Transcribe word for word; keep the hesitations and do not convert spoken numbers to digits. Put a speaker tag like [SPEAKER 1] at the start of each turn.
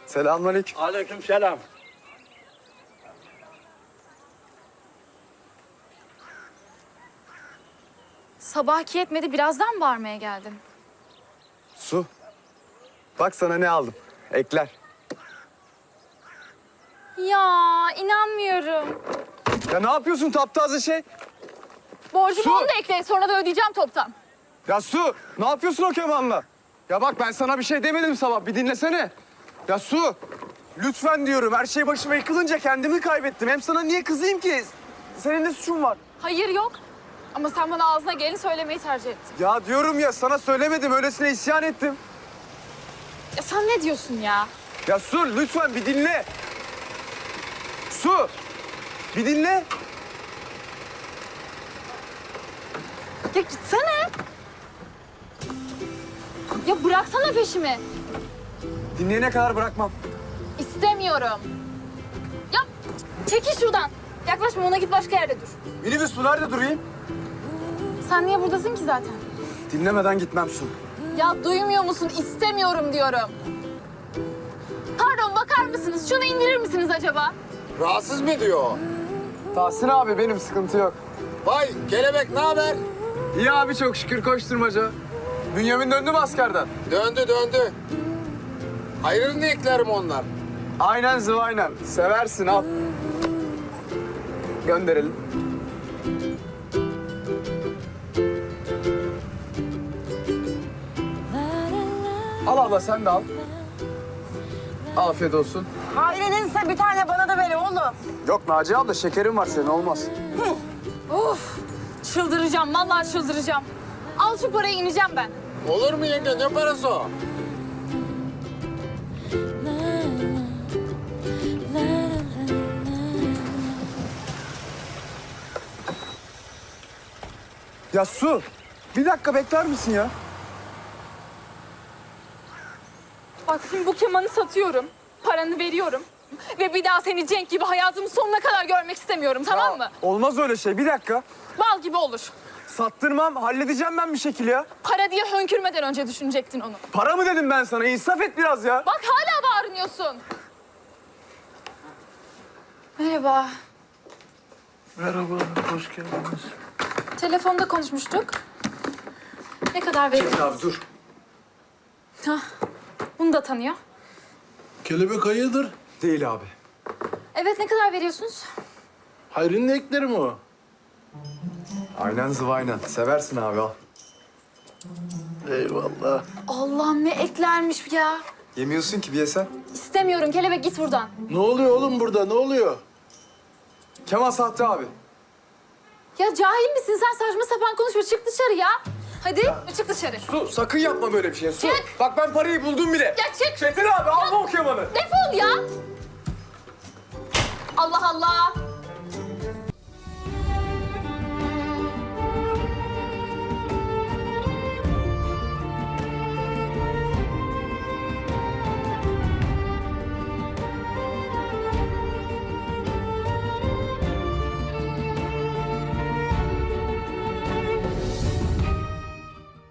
[SPEAKER 1] Selamünaleyküm.
[SPEAKER 2] Aleykümselam.
[SPEAKER 3] Sabahki yetmedi, birazdan bağırmaya geldin.
[SPEAKER 1] Su. Bak sana ne aldım. Ekler.
[SPEAKER 3] Ya inanmıyorum.
[SPEAKER 1] Ya ne yapıyorsun taptaze şey?
[SPEAKER 3] Borcumu
[SPEAKER 1] Su!
[SPEAKER 3] onu da ekle, sonra da ödeyeceğim toptan.
[SPEAKER 1] Ya Su, ne yapıyorsun o kemanla? Ya bak ben sana bir şey demedim sabah, bir dinlesene. Ya Su, lütfen diyorum. Her şey başıma yıkılınca kendimi kaybettim. Hem sana niye kızayım ki? Senin ne suçun var?
[SPEAKER 3] Hayır yok. Ama sen bana ağzına geleni söylemeyi tercih ettin.
[SPEAKER 1] Ya diyorum ya, sana söylemedim. Öylesine isyan ettim.
[SPEAKER 3] Ya sen ne diyorsun ya?
[SPEAKER 1] Ya Su, lütfen bir dinle. Su, bir dinle.
[SPEAKER 3] Ya gitsene. Ya bıraksana peşimi.
[SPEAKER 1] Dinleyene kadar bırakmam.
[SPEAKER 3] İstemiyorum. Ya çekil şuradan. Yaklaşma, ona git başka yerde dur.
[SPEAKER 1] Minibüs bu, nerede durayım?
[SPEAKER 3] Sen niye buradasın ki zaten?
[SPEAKER 1] Dinlemeden gitmem Su.
[SPEAKER 3] Ya duymuyor musun? İstemiyorum diyorum. Pardon, bakar mısınız? Şunu indirir misiniz acaba?
[SPEAKER 2] Rahatsız mı diyor?
[SPEAKER 1] Tahsin abi benim, sıkıntı yok.
[SPEAKER 2] Vay kelebek ne haber?
[SPEAKER 1] İyi abi, çok şükür, koşturmaca. Bünyamin döndü mü askerden?
[SPEAKER 2] Döndü döndü. Hayırını eklerim onlar.
[SPEAKER 1] Aynen zıvaynen. Seversin, al. Gönderelim. Al abla, sen de al. Afiyet olsun.
[SPEAKER 4] Ailenizse bir tane bana da ver oğlum.
[SPEAKER 1] Yok Naciye abla, şekerin var senin, olmaz.
[SPEAKER 3] Of! Çıldıracağım, vallahi çıldıracağım. Al şu parayı, ineceğim ben.
[SPEAKER 2] Olur mu yenge, ne parası o?
[SPEAKER 1] Ya Su, bir dakika bekler misin ya?
[SPEAKER 3] Bak şimdi bu kemanı satıyorum, paranı veriyorum. Ve bir daha seni Cenk gibi hayatımın sonuna kadar görmek istemiyorum, tamam mı?
[SPEAKER 1] Olmaz öyle şey, bir dakika.
[SPEAKER 3] Bal gibi olur.
[SPEAKER 1] Sattırmam, halledeceğim ben bir şekilde ya.
[SPEAKER 3] Para diye hönkürmeden önce düşünecektin onu.
[SPEAKER 1] Para mı dedim ben sana? İnsaf et biraz ya.
[SPEAKER 3] Bak hala bağırıyorsun. Merhaba.
[SPEAKER 5] Merhaba, hoş geldiniz.
[SPEAKER 3] Telefonda konuşmuştuk. Ne kadar veriyorsun?
[SPEAKER 1] Abi dur.
[SPEAKER 3] Hah, bunu da tanıyor.
[SPEAKER 5] Kelebek hayırdır?
[SPEAKER 1] Değil abi.
[SPEAKER 3] Evet, ne kadar veriyorsunuz?
[SPEAKER 5] Hayrının ekleri mi o?
[SPEAKER 1] Aynen zıvaynen. Seversin abi, al.
[SPEAKER 5] Eyvallah.
[SPEAKER 3] Allah'ım ne eklermiş ya.
[SPEAKER 1] Yemiyorsun ki, bir yesen.
[SPEAKER 3] İstemiyorum, kelebek git buradan.
[SPEAKER 5] Ne oluyor oğlum burada, ne oluyor?
[SPEAKER 1] Kemal sahte abi.
[SPEAKER 3] Ya cahil misin sen? Saçma sapan konuşma. Çık dışarı ya. Hadi çık dışarı.
[SPEAKER 1] Su, sakın yapma böyle bir şey. Su.
[SPEAKER 3] Çık.
[SPEAKER 1] Bak ben parayı buldum bile.
[SPEAKER 3] Ya çık.
[SPEAKER 1] Çetin abi, alma o kemanı.
[SPEAKER 3] Defol ya. Allah Allah.